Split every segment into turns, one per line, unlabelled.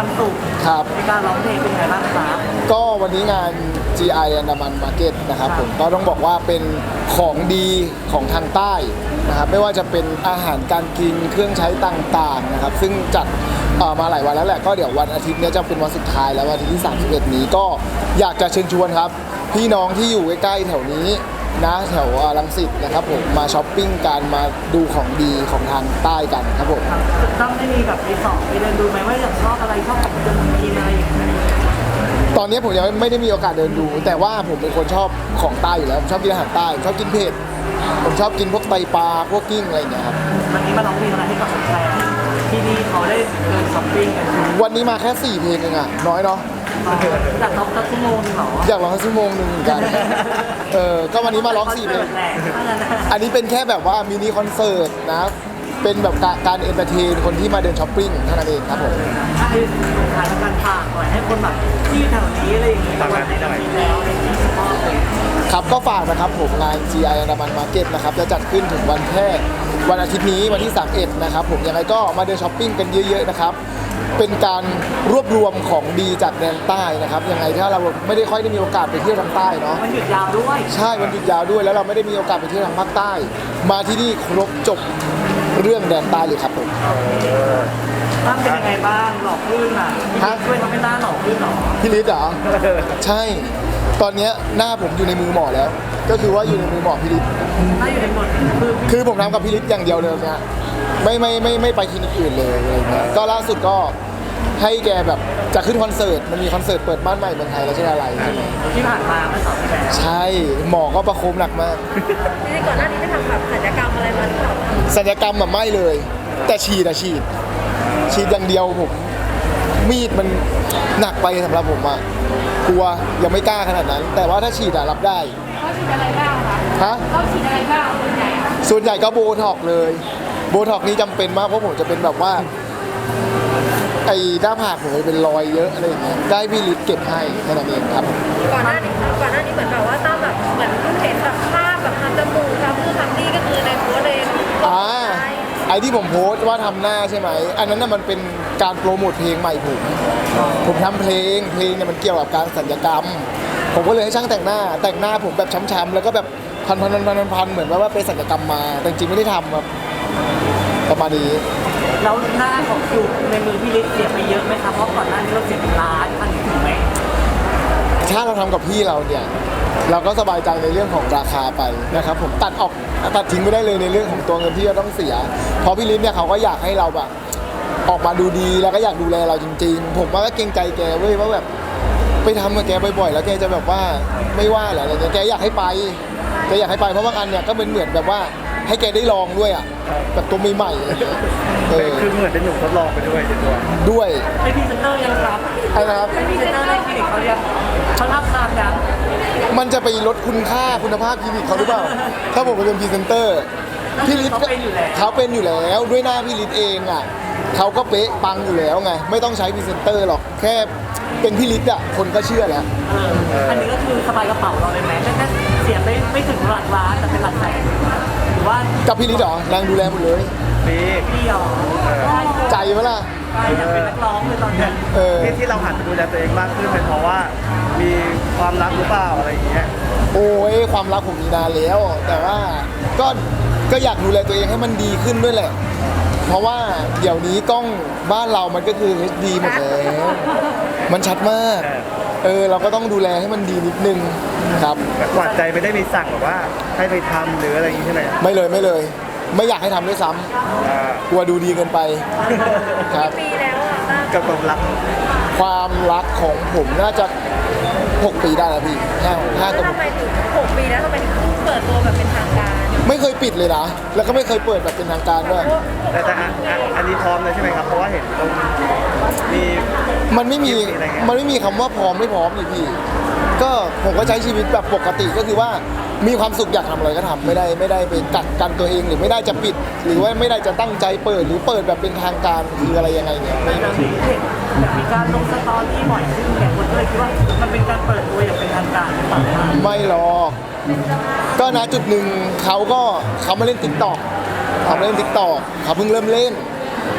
ความสุข
ครับ
ในการร้องเพลงเป็นไงบ้างครับ
ก็วันนี้งาน GI อันดามันมาร์เก็ตนะครับผมก็ต้องบอกว่าเป็นของดีของทางใต้นะครับไม่ว่าจะเป็นอาหารการกินเครื่องใช้ต่างๆนะครับซึ่งจัดมาหลายวันแล้วแหละก็เดี๋ยววันอาทิตย์นี้จะเป็นวันสุดท้ายแล้ววันอาทิตย์ที่31นี้ก็อยากจะเชิญชวนครับพี่น้องที่อยู่ใกล้ๆแถวนี้นะแถวรังสิตนะครับผมมาช้อปปิ้งกันมาดูของดีของทางใต้กันครับผม
ต้องได้มีแบบไปสอบไปเดินดูไหมว่าอยากชอบอะไรชอบของเดินกินอะไรอย่างเงี้ย
ตอนนี้ผมยังไม่ได้มีโอกาสเดินดู แต่ว่าผมเป็นคนชอบของใต้อยู่แล้วผมชอบกินอาหารใต้ชอบกินเผ็ดผมชอบกินพวกไตปลาพวกกิ้งอะไรอย่างเงี้ยครับ
วันนี้มาร้องเพลงอะไรให้กับแฟนๆที่นี่เขาได้เดินช้อปปิ้งกัน
วันนี้มาแค่4เพลงเองอะน้อยเนาะ
อยากร้องสักชั่วโมงนึงเหรอ
อยากร้องสักชั่วโมงหนึ่งเหมือนกันก็วันนี้มาร้อง4เพลง
แหละถ้างั้นนะ
อันนี้เป็นแค่แบบว่ามินิคอนเสิร์ตนะเป็นแบบการเอนเตอร์เทนคนที่มาเดินช้อปปิ้งเท่านั้นเองครับผม
ให้ขายการฝากหน่อยให้คนแบบที่แถวนี้อะไรอย่างเงี้ยวันนี้แล้วอะไรอย่างเงี้ยชอบเลย
ครับก็ฝากนะครับผมงาน GI อันดามันมาร์เก็ตนะครับจะจัดขึ้นถึงวันแค่วันอาทิตย์นี้วันที่31นะครับผมยังไงก็มาเดินช้อปปิ้งกันเยอะๆนะครับเป็นการรวบรวมของดีจากแดนใต้นะครับยังไงถ้าเราไม่ได้ค่อยได้มีโอกาสไปเที่ยวทางใต้เนาะ
มันหยุดยาวด้วย
ใช่วันหยุดยาวด้วยแล้วเราไม่ได้มีโอกาสไปเที่ยวทางภาคใต้ มาที่นี่ครบจบเรื่องแดนใต้เลยครับผม
บ้างเป็นยังไงบ้างหลอกลื่นอ่ะช่วยทำให้หน้าหลอกลื่นหรอ
พี่ฤทธิ์เหรอใช่ตอนเนี้ยหน้าผมอยู่ในมือหมอแล้ว ก็คือว่าอยู่ในมือหมอพี่ฤทธิ์
หน้าอยู่ในหมดคือ
คือผมทำกับพี่ฤทธิ์อย่างเดียวเลยเนี่ยไม่ไปคลินิกอื่นเลยอะไรเงี้ยก็ล่าสุดก็ให้แกแบบจะขึ้นคอนเสิร์ตมันมีคอนเสิร์ตเปิดบ้านใหม่เมืองไทยแล้วใช่อะไรใช่ไหม
ที่ผ่านมาเมื่อ2 ปีแล้ว
ใช่หมอก็ประโคมหนักมาก
นี่ก่อนหน้านี้ได้ทำแบบศัลยกรรมอะไรมาหรือเปล่า
ศัลยกรรมแบบไม่เลย แต่ฉีดอย่างเดียวผมมีดมันหนักไปสำหรับผมอะกลัวยังไม่กล้าขนาดนั้น แต่ว่าถ้าฉีดอะรับได้
เขาฉีดอะไรบ้างคะ
ฮะ
เขาฉีดอะไรบ้างส่วนใหญ่อะ
ส่วนใหญ่ก็โบท็อกซ์เลยโบท็อกซ์นี่จำเป็นมากเพราะผมจะเป็นแบบว่าไอ้หน้าผากผมจะเป็นรอยเยอะอะไรอย่างเงี้ยได้พี่ฤทธิ์เก็บให้แค่นั้นเองครับ
ก่อนหน้านี้เหมือนแบบว่าตั้มแบบเหมือนเห็นแบบภาพแบบทำจมูกทำนู่นทำนี่ก็คือในโพสต์เลยลงไป
ไอ้ที่ผมโพสต์ว่าทำหน้าใช่ไหมอันนั้นน่ะมันเป็นการโปรโมทเพลงใหม่ผมทำเพลงเนี่ยมันเกี่ยวกับการสัญญกรรม ผมก็เลยให้ช่างแต่งหน้าผมแบบช้ำๆแล้วก็แบบพันเหมือนว่าไปสัญญกรรมมาแต่จริงๆไม่ได้ทำครับประมาณนี้
แล้วหน้าของอยู่ในมือพี่ฤทธิ์เสียไปเยอะไหมครับเพราะก่อนหน้านี้เราเสียเป็นล้านพันถึงไหม
ถ้าเราทำกับพี่เราเนี่ยเราก็สบายใจในเรื่องของราคาไปนะครับผมตัดทิ้งไม่ได้เลยในเรื่องของตัวเงินที่เราต้องเสียเพราะพี่ฤทธิ์เนี่ยเขาก็อยากให้เราแบบออกมาดูดีแล้วก็อยากดูแลเราจริงๆผมว่าก็เกรงใจแกเว้ยว่าแบบไปทำกับแกบ่อยๆแล้วแกจะแบบว่าไม่ว่าเหรออะไรเงี้ยแกอยากให้ไปเพราะบางอันเนี่ยก็เหมือนแบบว่าให้แกได้ลองด้วยอ่ะแบบตัวใหม่ๆอะไรเงี้ย
คือเหมือนเป็นหนุ่มทดลองไปด้วยในตัว
ด้วย
เป็นพรีเซนเตอร์ยังครับ
ไอ้นะครับ
เป็นพรีเซนเตอร์ในคลินิกเขายังเขารับตามยัง
มันจะไปลดคุณค่าคุณภาพคลินิกเขาหรือเปล่า ถ้าผมไปเป็นพรีเซนเตอร์พี่ฤทธิ์เขาเป็นอยู่แล้วด้วยหน้าพี่ฤทธิ์เองอ่ะเขาก็เป๊ะปังอยู่แล้วไงไม่ต้องใช้พรีเซนเตอร์หรอกแค่เป็นพี่ฤทธิ์อ่ะคนก็เชื่อแล้ว
อันนี้ก็คือสบายกระเป๋าเราเลยไหมแค่เสียไม่ถึงหลักล้านแต่เป็นหลักแสนหรือว่า
กับพี่ฤทธิ์เหรอนางดูแลหมดเลย
นี่
เดียว
ใจไหมล่ะ
ใช่อยากเป็นนักร้องเลยตอนนี้
ที่เราหันมาดูแลตัวเองมากขึ้นเป็นเพราะว่ามีความรักหรือเปล่าอะไรอย่างเงี้ย
โอ้ยความรักผมมีนานแล้ว แต่ว่าก็อยากดูแลตัวเองให้มันดีขึ้นด้วยแหละ เพราะว่าเดี๋ยวนี้กล้องบ้านเรามันก็คือ HD หมดแล้วมันชัดมากเราก็ต้องดูแลให้มันดีนิดนึงครับ
หวานใจไม่ได้มีสั่งแบบว่าให้ไปทำหรืออะไรอย่างงี้ใช่ไหม
ไม่เลยไม่อยากให้ทำด้วยซ้ำกลัวดูดีเกินไปครับ
ปีแล้วอะตั้ม
กับความรัก
ความรักของผมน่าจะ6 ปีได้แล้วพี่ห้า
แล้ว
ตัว
ทำไมถึง6 ปีแล้วทำไมถึงเปิดตัวแบบเป็นทางการ
ไม่เคยปิดเลยนะแล้วก็ไม่เคยเปิดแบบเป็นทางการด้วย
แต่อันนี้พร้อมเลยใช่ไหมครับเพราะว่าเห็นตรงมี
มันไม่มีคำว่าพร้อมไม่พร้อมนี่พี่ก็ผมก็ใช้ชีวิตแบบปกติก็คือว่ามีความสุขอยากทำอะไรก็ทำไม่ได้ไปกัดกันตัวเองหรือไม่ได้จะปิด หรือว่าไม่ได้จะตั้งใจเปิดหรือเปิดแบบเป็นทางการคืออะไรยังไงเนี่ยไม่
แต่มีเห็นมีการลงสตอรี่บ่อยขึ้นเนี่ยคนก็เลยคิดว่ามันเป็นการเปิดตัวอย่างเป็นทางการหรือเปล่า
ไม่หรอกก็นะจุดหนึ่งเขามาเล่นติ๊กต็อกเขาเพิ่งเริ่มเล่น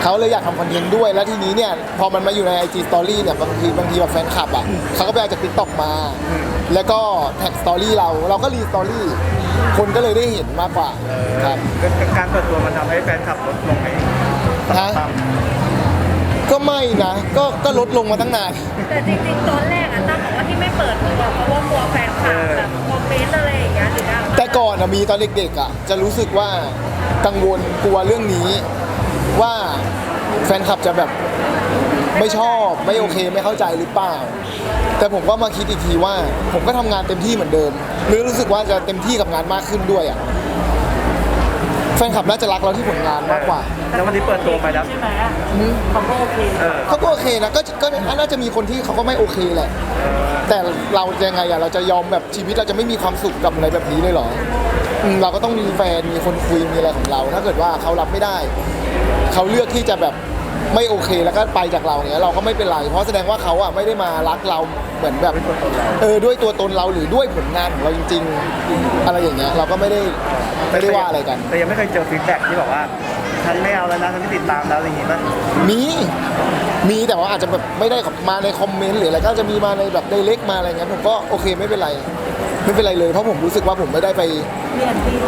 เขาเลยอยากทำคอนเทนต์ด้วยแล้วทีนี้เนี่ยพอมันมาอยู่ใน IG Story เนี่ยบางทีแบบแฟนคลับอ่ะเขาก็ไปเอาจาก TikTok มา แล้วก็แท็กสตอรี่เราก็รีสตอรี่คนก็เลยได้เห็นมากกว่าครับ
การเปิดตัวมันทำให้แฟนคลับลดลงไหม
ฮะก็ไม่นะก็ลดลงมาตั้งนาน
แต่จริงๆตอนแรกอะตั้มบอกว่าที่ไม่เปิดตัวเพราะว่ากลัวแฟนคลับแบบคอมเมนต์อะไรอย่างเงี้ยหรืออะไร
แต่ก่อนอะมีตอนเด็กๆอะจะรู้สึกว่ากังวลกลัวเรื่องนี้ว่าแฟนคลับจะแบบไม่ชอบไม่โอเคไม่เข้าใจหรือเปล่า แต่ผมก็มาคิดอีกทีว่า ผมก็ทำงานเต็มที่เหมือนเดิมหรือรู้สึกว่าจะเต็มที่กับงานมากขึ้นด้วยอะแฟนคลับน่าจะรักเราที่ผลงานมากกว่า
แล้ววันนี้เปิดตัวไปแล้ว
ใช่ไหมเขาก็โอเค
เขาก็โอเคนะก็น่าจะมีคนที่เขาก็ไม่โอเคแหละ แต่เรายังไงอะเราจะยอมแบบชีวิตเราจะไม่มีความสุขกับอะไรแบบนี้เลยเหรอเราก็ต้องมีแฟนมีคนคุยมีอะไรของเรา ถ้าเกิดว่าเขารับไม่ได้เขาเลือกที่จะแบบไม่โอเคแล้วก็ไปจากเราเนี้ยเราก็ไม่เป็นไรเพราะแสดงว่าเขาอะไม่ได้มารักเราเหมือนแบบด้วยตัวตนเราหรือด้วยผลงานของเราจริงๆอะไรอย่างเงี้ยเราก็ไม่ได้ว่าอะไรกัน
แต่ยังไม่เคยเจอฟีดแบ็กที่บอกว่าฉันไม่เอาแล้วนะฉันไม่ติดตามแล้วอะไรอย่างงี้ป่ะ
มีแต่ว่าอาจจะแบบไม่ได้มาในคอมเมนต์หรืออะไรก็จะมีมาในแบบในเล็กมาอะไรเงี้ยผมก็โอเคไม่เป็นไรเลยเพราะผมรู้สึกว่าผมไม่ได้ไป
มีแอนตี้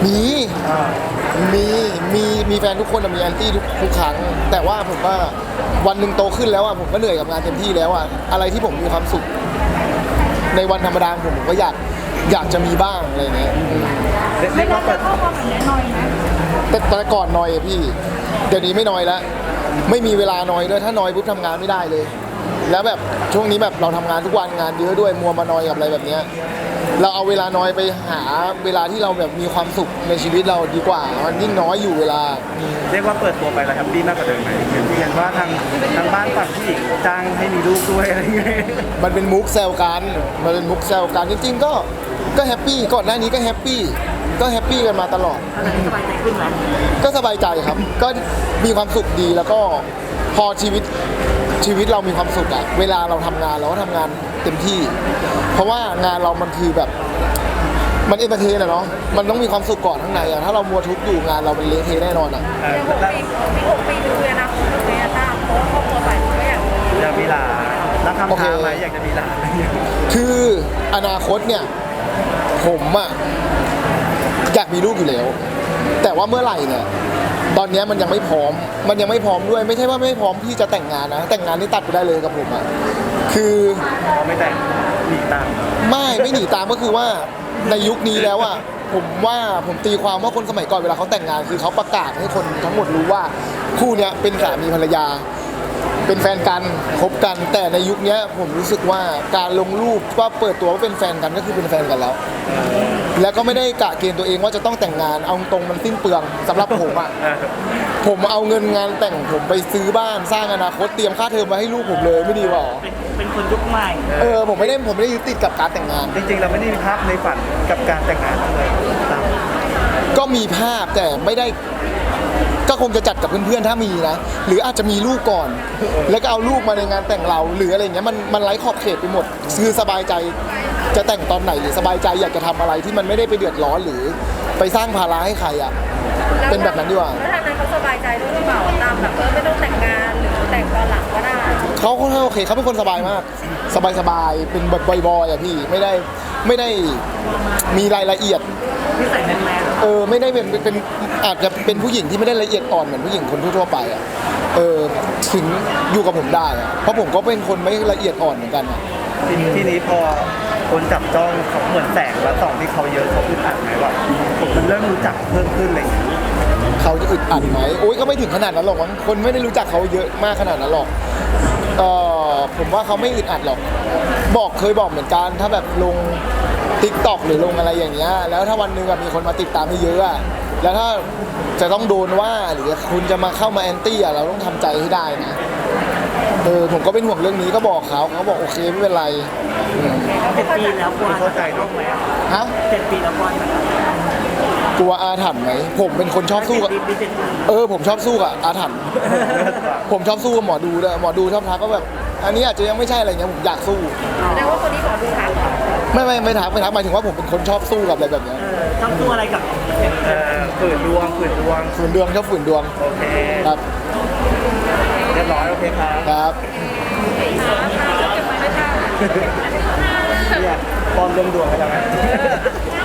มีแฟนทุกคนมีแอนตี้ทุกครั้งแต่ว่าผมว่าวันหนึ่งโตขึ้นแล้วอ่ะผมก็เหนื่อยกับงานเต็มที่แล้วอ่ะอะไรที่ผมมีความสุขในวันธรรมดาของผมก็อยากจะมีบ้างอะไรเงี้ย
เรียกว่าเปิด
ข้อความแบบนี้หน่อยนะ
แต่ตอนก่อนนอยอะพี่เดี๋ยวนี้ไม่นอยแล้วไม่มีเวลานอยด้วยถ้านอยปุ๊บทำงานไม่ได้เลย แล้วแบบช่วงนี้แบบเราทำงานทุกวันงานเยอะด้วยมัวมานอยกับอะไรแบบเนี้ยเราเอาเวลานอยไปหาเวลาที่เราแบบมีความสุขในชีวิตเราดีกว่ามันยิ่งน้อยอยู่เวลา
เรียกว่าเปิดตัวไปแล้วแฮปปี้มากกว่าเดิมไหมเห็นว่าทางบ้านฝั่งผู้หญิงจ้างให้มีลูกด้วยอะไรอย่างเงี้ย
มันเป็นมุกแซวกันจริงๆก็แฮปปี้ก่อนหน้านี้ก็แฮปปี้กันมาตลอด
ตอนนี้สบายใจขึ้นไหม
ก็สบายใจครับ ก็มีความสุขดีแล้วก็พอชีวิตเรามีความสุขอะเวลาเราทำงานเราก็ทำงานเต็มที่ เพราะว่างานเรามันคือแบบมันเอนเตอร์เทนอะเนาะมันต้องมีความสุขก่อนข้างในอะถ้าเรามัวทุกข์อยู่งานเราเป็นเละเทะแน่นอนอะ
ยัง6 ปีดูเลยนะคุณเลยนะตั้มเพราะว่าครอบครัวฝ่ายก็อยากมี
อยากมีหลานแล้วคำถามไหมอยากจะมีหลานอะไรอย่างเงี้ย
คืออนาคตเนี่ยผมอะอยากมีลูกอยู่แล้ว แต่ว่าเมื่อไหร่เนี่ยตอนนี้มันยังไม่พร้อมด้วยไม่ใช่ว่าไม่พร้อมที่จะแต่งงานนะแต่งงานนี่ตัดไปได้เลยกับผมอะคือ
พอไม่แต่งหนีตาม
ไม่หนีตามก็คือว่าในยุคนี้แล้วอะผมตีความว่าคนสมัยก่อนเวลาเขาแต่งงานคือเขาประกาศให้คนทั้งหมดรู้ว่าคู่เนี้ยเป็นสามีภรรยา เป็นแฟนกันคบกันแต่ในยุคนี้ผมรู้สึกว่าการลงรูปว่าเปิดตัวว่าเป็นแฟนกันก็คือเป็นแฟนกันแล้ว แล้วก็ไม่ได้กะเกณฑ์ตัวเองว่าจะต้องแต่งงานเอาตรงมันสิ้นเปลืองสำหรับผมอะผมเอาเงินงานแต่งผมไปซื้อบ้านสร้างอนาคตเตรียมค่าเทอมมาให้ลูกผมเลยไม่ดีหรอ
เป็นคนยุคใหม่
ผมไม่ได้ยึดติดกับการแต่งงาน
จริงๆเราไม่ได้มีภาพในฝันกับการแต่งงานเลยตาม
ก็มีภาพแต่ไม่ได้ก็คงจะจัดกับเพื่อนๆถ้ามีนะหรืออาจจะมีลูกก่อน แล้วก็เอาลูกมาในงานแต่งเราหรืออะไรอย่างเงี้ยมันไร้ขอบเขตไปหมดคือสบายใจจะแต่งตอนไหนหรือสบายใจอยากจะทำอะไรที่มันไม่ได้ไปเดือดร้อนหรือไปสร้างภาระให้ใครอ่ะเป็นแบบนั้นดีกว่า
แล้วทางนั้นเขาสบายใจด้วยหรือเปล่าตามแบบไม่ต้องแต่งงานหรือแต่งตอนหลังก็ได้
เขาค่อนข้างโอเคเขาเป็นคนสบายมากสบายเป็นแบบบอยๆอ่ะพี่ไม่ได้มีรายละเอียด
ที่ใส่แมน
ไม่ได้เป็นอาจจะเป็นผู้หญิงที่ไม่ได้ละเอียดอ่อนเหมือนผู้หญิงคนทั่วๆไปอ่ะถึงอยู่กับผมได้อะเพราะผมก็เป็นคนไม่ละเอียดอ่อนเหมือนกันอะ
ทีนี้พอคนจับจ้องเขาเหมือนแสงและส่องที่เขาเยอะเขาอึดอัดไหมว่าผมมันเริ่มรู้จักเพิ่มขึ้นอะไรอย่างเงี้ย
เขาจะอึดอัดไหมโอ้ยก็ไม่ถึงขนาดนั้นหรอกมั้งคนไม่ได้รู้จักเขาเยอะมากขนาดนั้นหรอกผมว่าเขาไม่อึดอัดหรอกเคยบอกเหมือนกันถ้าแบบลง TikTok หรือลงอะไรอย่างเงี้ยแล้วถ้าวันหนึงมีคนมาติดตามเยอะอะแล้วถ้าจะต้องโดนว่าหรือคุณจะมาเข้ามาแอนตี้เราต้องทำใจให้ได้นะผมก็เป็นห่วงเรื่องนี้ก็บอกเขาบอกโอเคไม่เป็นไร
7 ปีแล้วกวน
เข้าใจเนอะ
ไหม
ฮะ
7 ปีแล้วกวน
กลัวอาถรรพ์ไหมผมเป็นคนชอบสู้กับ
7 ปี
ผมชอบสู้กับอาถรรพ์ ผมชอบสู้กับหมอดูด้วยหมอดูชอบทักก็แบบอันนี้อาจจะยังไม่ใช่อะไรเงี้ยผมอยากสู้
แสดงว่าคนนี้ขอดูทักเหรอ
ไม่ทักหมายถึงว่าผมเป็นคนชอบสู้กับอะไรแบบเนี้ย
ชอบตัวอะไรกับ
ฝืนดวง
ฝืนดวงชอบฝืนดวง
โอเค
ครับ
เรียบร้อยโอเคครับ
ครับ
เก็บไว้ด้วยค่ะ
เนี่ยปลอมดวงให้เราไหม
ใช่